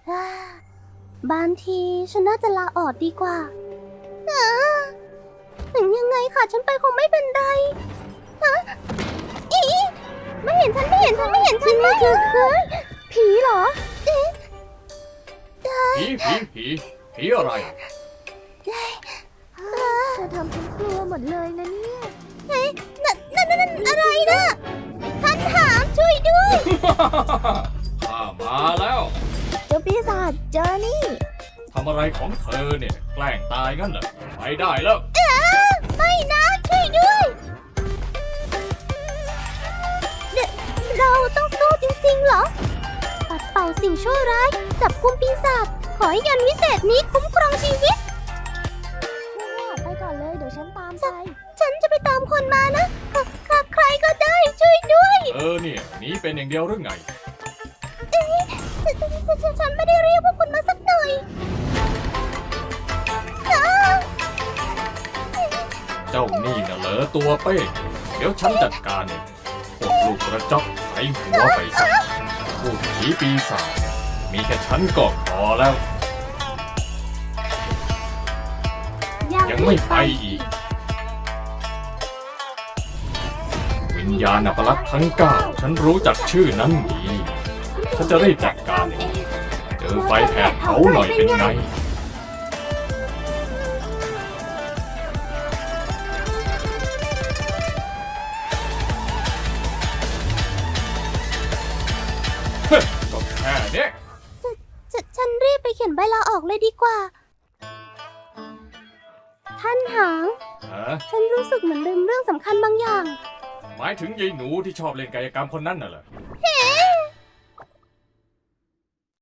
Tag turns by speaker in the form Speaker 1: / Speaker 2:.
Speaker 1: บางทีฉันน่าจะลาออกดีกว่าถึงยังไงค่ะฉันไปคงไม่เป็นไรอีไม่เห็นฉันไม่เห็นฉันไม่เห็นฉันไม่คือผีเหรอ
Speaker 2: ผีอะไร
Speaker 1: เธอทำฉันกลัวหมดเลยนะเนี่ยเฮ้ยนั่นอะไรนะท่านถามช่วยด้วย
Speaker 2: ข้ามาแล้ว
Speaker 1: เจ้าปีศาจเจอนี่
Speaker 2: ทำอะไรของเธอเนี่ยแกล้งตายงั้นเหรอไปได้แล้ว
Speaker 1: ไม่นะช่วยด้วยเราต้องสู้จริงๆเหรอปัดเป่าสิ่งชั่วร้ายจับกุมปีศาจขอให้ยันวิเศษนี้คุ้มครองชีวิตไปก่อนเลยเดี๋ยวฉันตามไปฉันจะไปตามคนมานะใครก็ได้ช่วยด้วย
Speaker 2: เนี่ยหนีเป็นอย่างเดียวหรือไง
Speaker 1: ฉันไม่ได้เรียกพวกคุณมาสักหน่อย
Speaker 2: เจ้านี่น่ะเหรอตัวเป้เดี๋ยวฉันจัดการเองพวกลูกกระจอกใส่หัวไปซะพวกผีปีศาจเนี่ยมีแค่ฉันก็พอแล้ว ยังไม่ไปอีก วิญญาณอัปลักษณ์ทั้ง9ฉันรู้จักชื่อนั้นดีฉันจะได้จัดการเองเจอไฟแผดเผาหน่อยเป็นไงก็แค่เนี้ย
Speaker 1: ฉันรีบไปเขียนใบลาออกเลยดีกว่า ท่านหาง ฉันรู้สึกเหมือนลืมเรื่องสำคัญบางอย่าง
Speaker 2: หมายถึงยายหนูที่ชอบเล่นกายกรรมคนนั้นน่ะเหรอ
Speaker 1: เฮ้